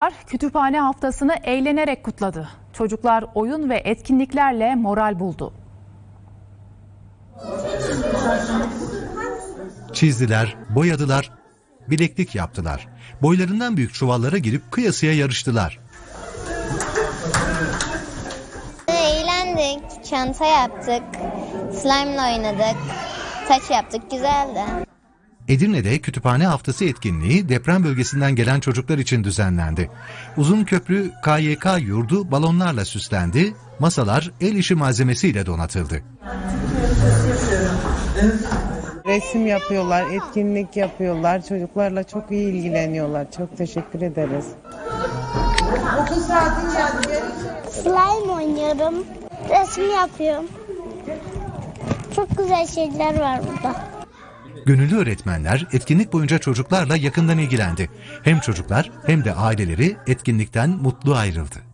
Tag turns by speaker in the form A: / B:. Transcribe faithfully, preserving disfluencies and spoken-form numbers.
A: Kütüphane haftasını eğlenerek kutladı. Çocuklar oyun ve etkinliklerle moral buldu.
B: Çizdiler, boyadılar, bileklik yaptılar. Boylarından büyük çuvallara girip kıyasıya yarıştılar.
C: Eğlendik, çanta yaptık, slime'la oynadık, taç yaptık, güzeldi.
B: Edirne'de Kütüphane Haftası etkinliği deprem bölgesinden gelen çocuklar için düzenlendi. Uzunköprü K Y K yurdu balonlarla süslendi, masalar el işi malzemesiyle donatıldı.
D: Resim yapıyorlar, etkinlik yapıyorlar, çocuklarla çok iyi ilgileniyorlar. Çok teşekkür ederiz.
E: Slime oynuyorum, resim yapıyorum. Çok güzel şeyler var burada.
B: Gönüllü öğretmenler etkinlik boyunca çocuklarla yakından ilgilendi. Hem çocuklar hem de aileleri etkinlikten mutlu ayrıldı.